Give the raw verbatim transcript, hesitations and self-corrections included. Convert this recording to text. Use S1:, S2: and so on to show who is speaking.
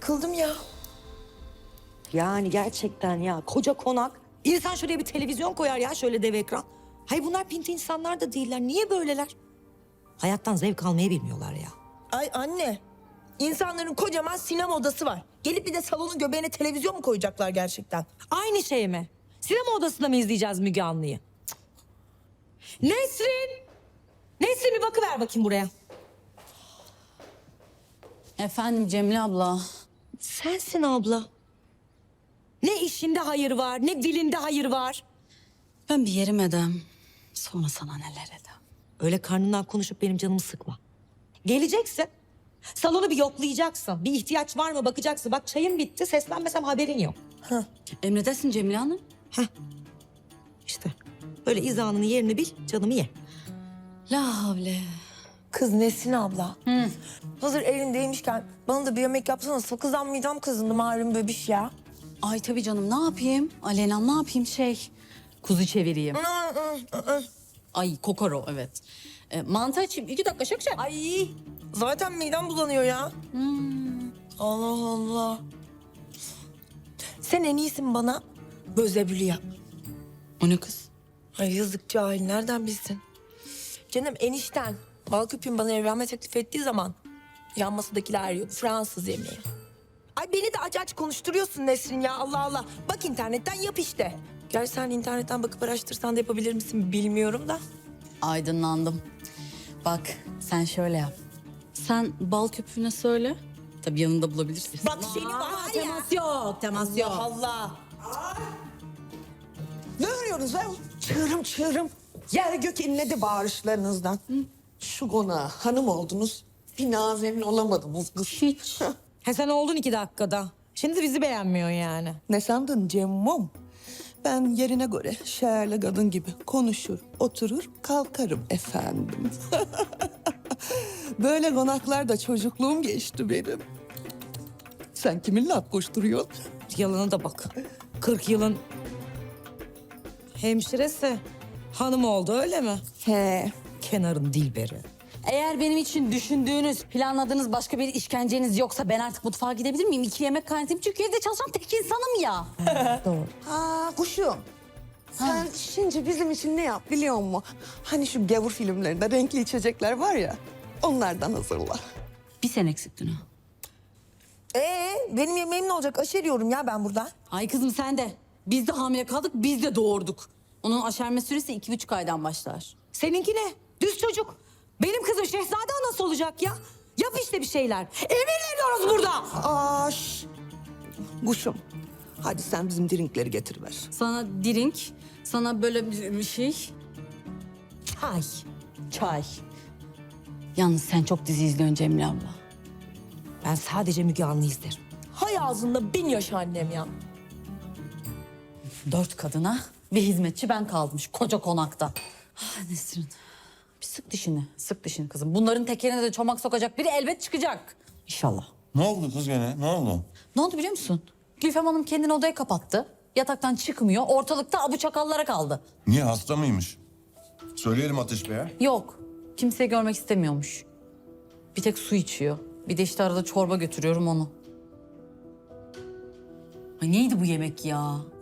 S1: sıkıldım ya.
S2: Yani gerçekten ya koca konak. İnsan şuraya bir televizyon koyar ya şöyle dev ekran. Hayır bunlar pinti insanlar da değiller. Niye böyleler? Hayattan zevk almayı bilmiyorlar ya.
S1: Ay anne. İnsanların kocaman sinema odası var. Gelip bir de salonun göbeğine televizyon mu koyacaklar gerçekten?
S2: Aynı şey mi? Sinema odasında mı izleyeceğiz Müge Anlı'yı? Cık. Nesrin! Nesrin bir bakıver bakayım buraya.
S3: Efendim Cemile abla.
S2: Sensin abla. Ne işinde hayır var, ne dilinde hayır var.
S3: Ben bir yerim edem. Sonra sana neler edem.
S2: Öyle karnından konuşup benim canımı sıkma. Geleceksin. Salonu bir yoklayacaksın. Bir ihtiyaç var mı bakacaksın. Bak çayım bitti, seslenmesem haberin yok.
S3: Emredersin Cemile Hanım.
S2: Heh. İşte böyle izanını yerini bil, canımı ye.
S3: La havle.
S1: Kız Nesin abla. Hazır elindeymişken bana da bir yemek yapsana. Sakızlanmayacağım kızındı malum bebiş ya.
S3: Ay tabii canım ne yapayım? Aleyna'm ne yapayım şey? Kuzu çevireyim. Ay kokoro evet. E, mantı açayım. İki dakika şak şak.
S1: Ay zaten midem bulanıyor ya. Allah Allah. Sen en iyisin bana bözebülü yap.
S3: O ne kız?
S1: Ay yazık cahil nereden bilsin? Canım enişten Balküp'ün bana evlenme teklif ettiği zaman yan masadakiler yok. Fransız yemeği. Ay beni de aç aç konuşturuyorsun Nesrin ya Allah Allah. Bak internetten yap işte. Gerçi sen internetten bakıp araştırsan da yapabilir misin bilmiyorum da.
S3: Aydınlandım. Bak sen şöyle yap. Sen bal köpüğüne söyle. Tabii yanında bulabilirsin.
S1: Bak seni var ya.
S3: Temas yok, temas yok.
S1: Allah.
S4: Ne örüyorsunuz be? Çığırım çığırım. Yer gök inledi bağırışlarınızdan. Şu konağa hanım oldunuz. Bir nazemin olamadınız kız.
S3: Hiç.
S2: Ha sen oldun iki dakikada. Şimdi bizi beğenmiyor yani.
S4: Ne sandın Cemmom? Ben yerine göre şehirli kadın gibi konuşur, oturur, kalkarım efendim. Böyle konaklarda çocukluğum geçti benim. Sen kiminle at koşturuyorsun?
S2: Yalına da bak. Kırk yılın hemşiresi hanım oldu öyle mi?
S4: He.
S2: Kenarın dilberi.
S3: Eğer benim için düşündüğünüz, planladığınız başka bir işkenceniz yoksa ben artık mutfağa gidebilir miyim? İki yemek kaynatayım çünkü evde çalışan tek insanım ya.
S2: Doğru.
S4: Ha kuşum. Sen şimdi bizim için ne yap biliyor musun? Hani şu gavur filmlerinde renkli içecekler var ya. Onlardan hazırla.
S3: Bir sen eksiktin ha.
S1: Ee benim yemeğim ne olacak? Aşeriyorum ya ben burada.
S3: Ay kızım sen de. Biz de hamile kaldık, biz de doğurduk. Onun aşerme süresi iki buçuk aydan başlar.
S2: Seninki ne? Düz çocuk. Benim kızım şehzade nasıl olacak ya? Yap işte bir şeyler. Emir veriyoruz burada.
S4: Aş. Kuşum. Hadi sen bizim drinkleri getir ver.
S3: Sana drink, sana böyle bir bir şey.
S2: Çay.
S3: Çay. Yalnız sen çok dizi izliyorsun Cemile abla.
S2: Ben sadece Müge Anlı izlerim.
S1: Hay ağzında bin yaş annem ya.
S3: Dört kadına bir hizmetçi ben kalmış koca konakta. Ah Nesrin. Bir sık dişini, sık dişini kızım. Bunların tekerine de çomak sokacak biri elbet çıkacak. İnşallah.
S5: Ne oldu kız gene? Ne oldu?
S3: Ne oldu biliyor musun? Gülfem Hanım kendini odaya kapattı. Yataktan çıkmıyor. Ortalıkta abu çakallara kaldı.
S5: Niye hasta mıymış? Söyleyelim Ateş Bey'e.
S3: Yok. Kimseyi görmek istemiyormuş. Bir tek su içiyor. Bir de işte arada çorba götürüyorum onu. Ay neydi bu yemek ya?